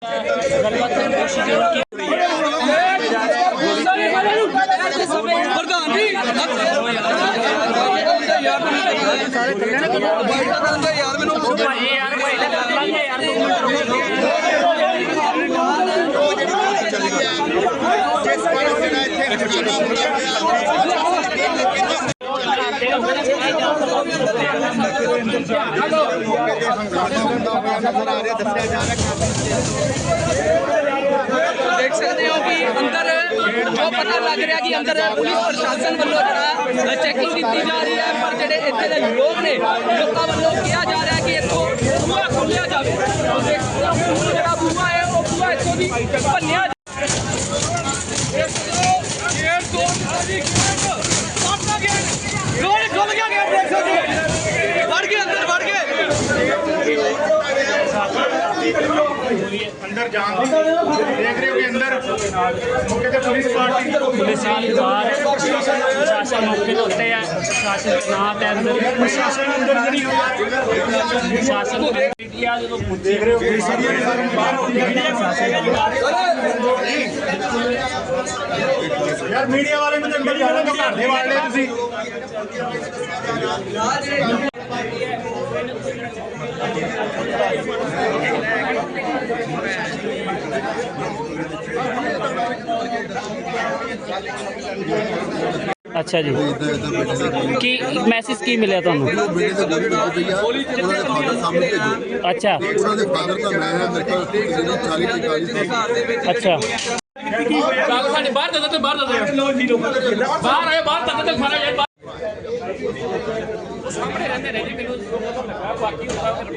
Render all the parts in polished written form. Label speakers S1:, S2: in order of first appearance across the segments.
S1: देख सकते हो कि अंदर जो पता लग रहा कि अंदर पुलिस प्रशासन वालों जरा चैकिंग की जा रही है, पर जेडे इत्थे दे लोग ने लोगों वालों कहा जा रहा है कि इत्थों बूहा खोलिया जाए। जो बूहा है वो बूहा इत्थों दी भन्निया
S2: अंदर जान देख रहे हो कि अंदर मौके पे पुलिस पार्टी बाहर प्रशासन मौके पे होते हैं। प्रशासन के नाम है अंदर प्रशासन अंदर नहीं होगा। प्रशासन मीडिया जो देख रहे हो यार मीडिया वाले में तो मीडिया वाले को घाटे वाले तुसी
S3: अच्छा जी की मैसेज की मिले ਤੁਹਾਨੂੰ अच्छा अच्छा
S1: बाहर दे बाहर आए बाहर तक तक सारा यार सामने रहते रहे जी मैंने बाकी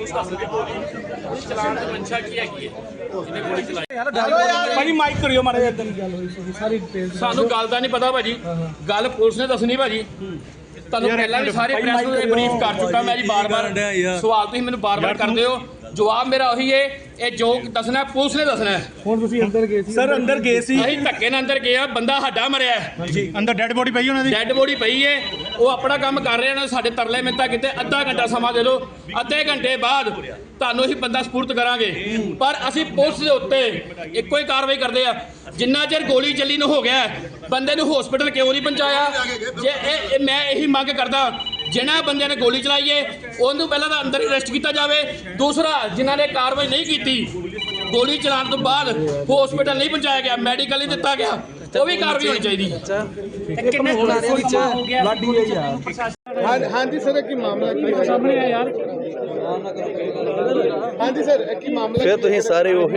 S1: चलान तो मंशा की है ਜਿਹਨੇ ਗੋਲੀ ਚਲਾਈ ਭਾਜੀ ਮਾਈਕ ਕਰਿਓ ਮਾਰੇ ਇਦਾਂ ਦੀ ਗੱਲ ਹੋਈ ਸੀ ਸਾਰੀ ਡਿਟੇਲ ਸਾਨੂੰ ਗੱਲ ਦਾ ਨਹੀਂ ਪਤਾ ਭਾਜੀ ਗੱਲ ਪੁਲਿਸ ਨੇ ਦੱਸਣੀ ਭਾਜੀ ਤੁਹਾਨੂੰ ਪਹਿਲਾਂ ਵੀ ਸਾਰੇ ਪ੍ਰੈਸ ਨੂੰ ਬਰੀਫ ਕਰ ਚੁੱਕਾ ਮੈਂ ਜੀ ਬਾਰ-ਬਾਰ ਸਵਾਲ ਤੁਸੀਂ ਮੈਨੂੰ ਬਾਰ-ਬਾਰ ਕਰਦੇ ਹੋ ਜਵਾਬ ਮੇਰਾ ਉਹੀ ਹੈ ਇਹ ਜੋ ਦੱਸਣਾ ਪੁਲਿਸ ਨੇ ਦੱਸਣਾ ਹੁਣ ਤੁਸੀਂ ਅੰਦਰ ਗਏ ਸੀ ਸਰ ਅੰਦਰ ਗਏ ਸੀ ਅਸੀਂ ਧੱਕੇ ਨਾਲ ਅੰਦਰ ਗਏ ਆ ਬੰਦਾ ਸਾਡਾ ਮਰਿਆ
S2: ਜੀ ਅੰਦਰ ਡੈੱਡ ਬੋਡੀ ਪਈ ਉਹਨਾਂ ਦੀ
S1: ਡੈੱਡ ਬੋਡੀ ਪਈ ਹੈ ਉਹ ਆਪਣਾ ਕੰਮ ਕਰ ਰਹੇ ਨੇ ਸਾਡੇ ਤਰਲੇ ਮਿੰਤਾ ਕਿਤੇ ਅੱਧਾ ਘੰਟਾ ਸਮਾਂ ਦੇ ਲਓ ਅੱਧੇ ਘੰਟੇ ਬਾਅਦ ਤੁਹਾਨੂੰ ਅਸੀਂ ਬੰਦਾ ਸਪੁਰਦ ਕਰਾਂਗੇ ਪਰ ਅਸੀਂ ਪੁਲਿਸ ਦੇ ਉੱਤੇ ਇੱਕੋ ਹੀ ਕਾਰਵਾਈ ਕਰਦੇ ਆ ਜਿੰਨਾ ਚਿਰ ਗੋਲੀ ਚੱਲੀ ਨੂੰ ਹੋ ਗਿਆ ਬੰਦੇ ਨੂੰ ਹਸਪੀਟਲ ਕਿਉਂ ਨਹੀਂ ਪਹੁੰਚਾਇਆ ਜੇ ਇਹ ਮੈਂ ਇਹੀ ਮੰਗ ਕਰਦਾ ਜਿਨ੍ਹਾਂ ਬੰਦਿਆਂ ਨੇ ਗੋਲੀ ਚਲਾਈ ਹੈ ਉਹਨੂੰ ਪਹਿਲਾਂ ਤਾਂ ਅੰਦਰ ਅਰੈਸਟ ਕੀਤਾ ਜਾਵੇ ਦੂਸਰਾ ਜਿਨ੍ਹਾਂ ਨੇ ਕਾਰਵਾਈ ਨਹੀਂ ਕੀਤੀ ਗੋਲੀ ਚਲਾਉਣ ਤੋਂ ਬਾਅਦ ਹਸਪੀਟਲ ਨਹੀਂ ਪਹੁੰਚਾਇਆ ਗਿਆ ਮੈਡੀਕਲ ਨਹੀਂ ਦਿੱਤਾ ਗਿਆ ਉਹ ਵੀ ਕਾਰਵਾਈ ਹੋਣੀ ਚਾਹੀਦੀ
S3: ਕਿੰਨੇ ਦੇ ਵਿੱਚ ਲਾਡੀ ਹੈ ਯਾਰ
S2: ਹਾਂਜੀ ਸਰ ਕੀ ਮਾਮਲਾ
S3: ਸਾਹਮਣੇ ਆ ਯਾਰ
S2: ਹਾਂਜੀ ਸਰ ਕੀ ਮਾਮਲਾ
S4: ਫਿਰ ਤੁਸੀਂ ਸਾਰੇ ਉਹ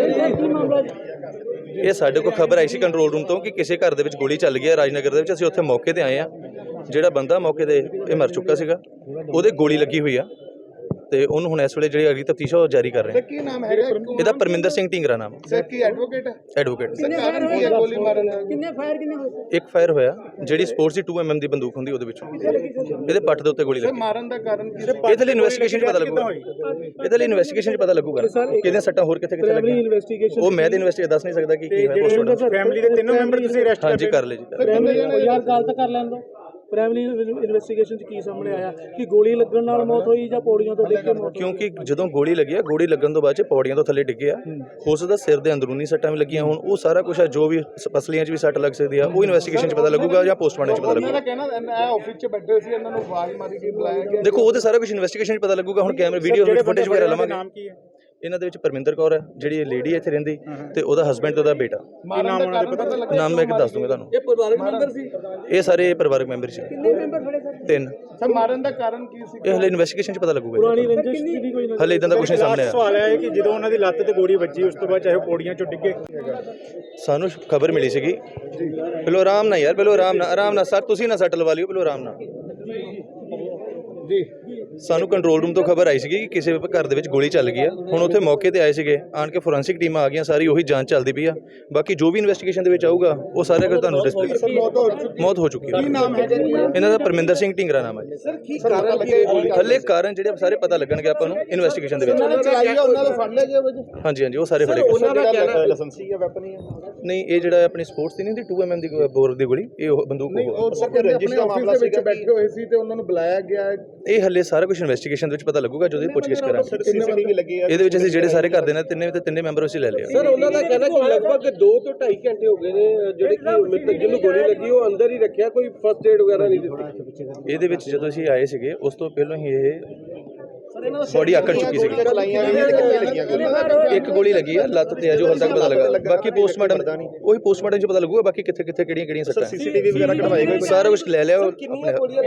S4: ਇਹ ਸਾਡੇ ਕੋਲ ਖਬਰ ਆਈ ਸੀ ਕੰਟਰੋਲ ਰੂਮ ਤੋਂ ਕਿ ਕਿਸੇ ਘਰ ਦੇ ਵਿੱਚ ਗੋਲੀ ਚੱਲ ਗਈ ਹੈ ਰਾਜਨਗਰ ਦੇ ਵਿੱਚ ਅਸੀਂ ਉੱਥੇ ਮੌਕੇ ਤੇ ਆਏ ਆ ਜਿਹੜਾ ਬੰਦਾ ਮੌਕੇ ਤੇ ਇਹ ਮਰ ਚੁੱਕਾ ਸੀਗਾ ਉਹਦੇ ਗੋਲੀ ਲੱਗੀ ਹੋਈ ਆ ਤੇ ਉਹਨੂੰ ਹੁਣ ਇਸ ਵੇਲੇ ਜਿਹੜੀ ਅਗਲੀ ਤਫਤੀਸ਼ ਉਹ ਜਾਰੀ ਕਰ ਰਹੇ
S2: ਕੀ ਨਾਮ ਹੈਗਾ
S4: ਇਹਦਾ ਪਰਮਿੰਦਰ ਸਿੰਘ ਢਿੰਗਰਾ ਨਾਮ
S2: ਸਰ ਕੀ ਐਡਵੋਕੇਟ ਹੈ
S4: ਐਡਵੋਕੇਟ
S2: ਕਾਰਨ ਕੀ ਹੈ ਗੋਲੀ ਮਾਰਨ ਦਾ
S3: ਕਿੰਨੇ ਫਾਇਰ ਕਿੰਨੇ ਹੋਏ
S4: ਇੱਕ ਫਾਇਰ ਹੋਇਆ ਜਿਹੜੀ ਸਪੋਰਟਸ ਦੀ 2mm ਦੀ ਬੰਦੂਕ ਹੁੰਦੀ ਉਹਦੇ ਵਿੱਚੋਂ ਇਹਦੇ ਪੱਟ ਦੇ ਉੱਤੇ ਗੋਲੀ ਲੱਗੀ
S2: ਮਾਰਨ ਦਾ ਕਾਰਨ ਕੀ
S4: ਇਹਦੇ ਲਈ ਇਨਵੈਸਟੀਗੇਸ਼ਨ 'ਚ ਪਤਾ ਲੱਗੂਗਾ ਇਹਦੇ ਲਈ ਇਨਵੈਸਟੀਗੇਸ਼ਨ 'ਚ ਪਤਾ ਲੱਗੂਗਾ ਕਿਹਦੇ ਸੱਟਾਂ ਹੋਰ ਕਿੱਥੇ ਕਿੱਥੇ ਲੱਗੀਆਂ ਉਹ ਮੈਂ ਤੇ ਇਨਵੈਸਟੀਗੇਟ ਦੱਸ ਨਹੀਂ ਸਕਦਾ ਕਿ ਕੀ ਹੋਇਆ ਪੋਸਟਮਾਰਟਮ
S2: ਫੈਮਿਲੀ ਦੇ ਤਿੰਨੋਂ ਮੈਂਬਰ ਤੁਸੀਂ ਅਰੈਸਟ
S4: ਹਾਂਜੀ ਕਰ ਲਏ ਜੀ
S3: ਯਾਰ ਗੱਲ ਤਾਂ ਕਰ ਲੈਣ ਦੋ ਪ੍ਰਾਇਮਰੀ ਇਨਵੈਸਟੀਗੇਸ਼ਨ ਚ ਕੀ ਸਾਹਮਣੇ ਆਇਆ ਕਿ ਗੋਲੀ ਲੱਗਣ ਨਾਲ ਮੌਤ ਹੋਈ ਜਾਂ ਪੌੜੀਆਂ ਤੋਂ ਡਿੱਗ ਕੇ ਮੌਤ
S4: ਕਿਉਂਕਿ ਜਦੋਂ ਗੋਲੀ ਲੱਗੀ ਆ ਗੋਲੀ ਲੱਗਣ ਤੋਂ ਬਾਅਦ ਚ ਪੌੜੀਆਂ ਤੋਂ ਥੱਲੇ ਡਿੱਗੇ ਆ ਹੋ ਸਕਦਾ ਸਿਰ ਦੇ ਅੰਦਰੂਨੀ ਸੱਟਾਂ ਵੀ ਲੱਗੀਆਂ ਹੁਣ ਉਹ ਸਾਰਾ ਕੁਝ ਆ ਜੋ ਵੀ ਪਸਲੀਆਂ 'ਚ ਵੀ ਸੱਟ ਲੱਗ ਸਕਦੀ ਆ ਉਹ ਇਨਵੈਸਟੀਗੇਸ਼ਨ 'ਚ ਪਤਾ ਲੱਗੂਗਾ ਜਾਂ ਪੋਸਟਮਾਰਟਮ 'ਚ ਪਤਾ ਲੱਗੂਗਾ
S2: ਕਹਿਣਾ ਆਫਿਸ 'ਚ ਬੈਠੇ ਸੀ ਇਹਨਾਂ ਨੂੰ ਆਵਾਜ਼ ਮਾਰੀ ਕੇ ਬੁਲਾਇਆ ਗਿਆ
S4: ਦੇਖੋ ਉਹ ਤੇ ਸਾਰਾ ਕੁਝ ਇਨਵੈਸਟੀਗੇਸ਼ਨ 'ਚ ਪਤਾ ਲੱਗੂਗਾ ਹੁਣ ਕੈਮਰੇ ਵੀਡੀਓ ਫੁਟੇਜ ਵਗੈਰਾ ਲਵਾਂਗੇ
S2: ਨਾਮ ਕੀ ਹੈ
S4: ਇਹਨਾਂ ਦੇ ਵਿੱਚ ਪਰਮਿੰਦਰ ਕੌਰ ਹੈ ਜਿਹੜੀ ਲੇਡੀ ਇੱਥੇ ਰਹਿੰਦੀ ਤੇ ਉਹਦਾ ਹਸਬੈਂਡ ਤੇ ਉਹਦਾ ਬੇਟਾ ਨਾਮ ਮੈਂ ਦੱਸ ਦੂੰਗਾ ਤੁਹਾਨੂੰ
S3: ਇਹ ਪਰਿਵਾਰਕ ਮੈਂਬਰ ਸੀ
S4: ਇਹ ਸਾਰੇ ਪਰਿਵਾਰਕ ਮੈਂਬਰ ਸੀ
S3: ਕਿੰਨੇ ਮੈਂਬਰ ਖੜੇ ਸਰ
S4: 3
S2: ਸਰ ਮਾਰਨ ਦਾ ਕਾਰਨ ਕੀ ਸੀ
S4: ਇਹ ਹਲੇ ਇਨਵੈਸਟੀਗੇਸ਼ਨ 'ਚ ਪਤਾ ਲੱਗੂਗਾ
S3: ਪੁਰਾਣੀ ਰੰਜਿਸ਼ ਦੀ ਕੋਈ
S4: ਹਲੇ ਇਦਾਂ ਦਾ ਕੁਝ ਨਹੀਂ ਸਾਹਮਣੇ ਆਇਆ
S2: ਸਵਾਲ ਹੈ ਕਿ ਜਦੋਂ ਉਹਨਾਂ ਦੀ ਲੱਤ ਤੇ ਗੋਲੀ ਵੱਜੀ ਉਸ ਤੋਂ ਬਾਅਦ ਚਾਹੇ ਪੌੜੀਆਂ 'ਚੋਂ ਡਿੱਗੇ
S4: ਸਾਨੂੰ ਖਬਰ ਮਿਲੀ ਸੀਗੀ ਪਹਿਲਾਂ ਆਰਾਮ ਨਾਲ ਯਾਰ ਪਹਿਲਾਂ ਆਰਾਮ ਨਾਲ ਸਰ ਤੁਸੀਂ ਨਾ ਸੱਟ ਲਵਾ ਲਿਓ ਪਹਿਲਾਂ ਆਰਾਮ ਨਾਲ
S2: ਜੀ
S4: ਸਾਨੂੰ ਕੰਟਰੋਲ ਰੂਮ ਤੋਂ ਖਬਰ ਆਈ ਸੀਗੀ ਕਿ ਕਿਸੇ ਘਰ ਦੇ ਵਿੱਚ ਗੋਲੀ ਚੱਲ ਗਈ ਆ ਹੁਣ ਉੱਥੇ ਮੌਕੇ ਤੇ ਆਏ ਸੀਗੇ ਆਣ ਕੇ ਫੋਰੈਂਸਿਕ ਟੀਮਾਂ ਆ ਗਈਆਂ ਸਾਰੀ ਉਹੀ ਜਾਂਚ ਚੱਲਦੀ ਪਈ ਆ ਬਾਕੀ ਜੋ ਵੀ ਇਨਵੈਸਟੀਗੇਸ਼ਨ ਦੇ ਵਿੱਚ ਆਊਗਾ ਉਹ ਸਾਰਾ ਕੁਝ ਤੁਹਾਨੂੰ ਡਿਸਪਲੇ ਮੌਤ ਹੋ ਚੁੱਕੀ ਹੈ ਇਹਨਾਂ ਦਾ ਪਰਮਿੰਦਰ ਸਿੰਘ ਢਿੰਗਰਾ ਨਾਮ ਹੈ
S2: ਸਰ ਕੀ ਕਾਰਨ ਲੱਗੇ
S4: ਹਲੇ ਕਾਰਨ ਜਿਹੜੇ ਸਾਰੇ ਪਤਾ ਲੱਗਣਗੇ ਆਪਾਂ ਨੂੰ ਇਨਵੈਸਟੀਗੇਸ਼ਨ ਦੇ ਵਿੱਚ
S2: ਉਹਨਾਂ ਦਾ ਫੜ ਲਿਆ ਗਿਆ
S4: ਹਾਂਜੀ ਹਾਂਜੀ ਉਹ ਸਾਰੇ ਫੜੇ ਗਏ
S2: ਉਹਨਾਂ ਦਾ ਕਹਿਣਾ ਲਾਇਸੈਂਸੀ ਹੈ ਵੈਪਨ ਹੀ ਹੈ
S4: ਨਹੀਂ ਇਹ ਜਿਹੜਾ ਆਪਣੀ ਸਪੋਰਟਸ ਦੀ ਨਹੀਂ ਦੀ 2mm ਦੀ ਬੋਰ ਦੀ ਗੋਲੀ ਇਹ ਬੰਦੂਕ
S2: ਉਹ ਸਰ ਰੰਜਿਸ਼ ਦਾ ਮਾਮਲਾ ਸੀ ਬੈਠੇ ਹੋਏ ਸੀ ਤੇ ਉਹਨਾਂ ਨੂੰ ਬੁਲਾਇਆ ਗਿਆ
S4: ਇਹ ਹਲੇ ਸਾਰਾ ਸਾਰਾ ਕੁਝ ਇਨਵੈਸਟੀਗੇਸ਼ਨ ਦੇ ਵਿੱਚ ਪਤਾ ਲੱਗੂਗਾ ਜਦੋਂ ਇਹ ਪੁੱਛਗਿੱਛ ਕਰਾਂਗੇ। ਇਹਦੇ ਵਿੱਚ ਅਸੀਂ ਜਿਹੜੇ ਸਾਰੇ ਘਰ ਦੇ ਨੇ ਤਿੰਨੇ ਮੈਂਬਰ ਅਸੀਂ ਲੈ ਲਿਆ।
S5: ਸਰ ਉਹਨਾਂ ਦਾ ਕਹਿਣਾ ਕਿ ਲਗਭਗ 2 ਤੋਂ 2.5 ਘੰਟੇ ਹੋ ਗਏ ਨੇ ਜਿਹੜੇ ਕਿ ਮ੍ਰਿਤਕ ਜਿਹਨੂੰ ਗੋਲੀ ਲੱਗੀ ਉਹ ਅੰਦਰ ਹੀ ਰੱਖਿਆ, ਕੋਈ ਫਸਟ ਏਡ ਵਗੈਰਾ ਨਹੀਂ ਦਿੱਤੀ।
S4: ਇਹਦੇ ਵਿੱਚ ਜਦੋਂ ਅਸੀਂ ਆਏ ਸੀਗੇ ਉਸ ਤੋਂ ਪਹਿਲਾਂ ਹੀ ਇਹ ਬੋਡੀ ਆਕੜ ਚੁੱਕੀ ਸੀ। ਇੱਕ ਗੋਲੀ ਲੱਗੀ ਆ ਲੱਤ ਤੇ, ਜੋ ਹਾਲ ਤੱਕ ਪਤਾ ਲੱਗਾ। ਬਾਕੀ ਪੋਸਟਮਾਰਟਮ ਉਹੀ ਪੋਸਟਮਾਰਟਮ 'ਚ ਪਤਾ ਲੱਗੂਗਾ ਬਾਕੀ ਕਿੱਥੇ ਕਿਹੜੀਆਂ ਸੱਟਾਂ।
S5: ਸੀਸੀਟੀਵੀ ਵਗੈਰਾ ਕਢਵਾਏ ਗਏ,
S4: ਸਾਰਾ ਕੁਝ ਲੈ ਲਿਆ।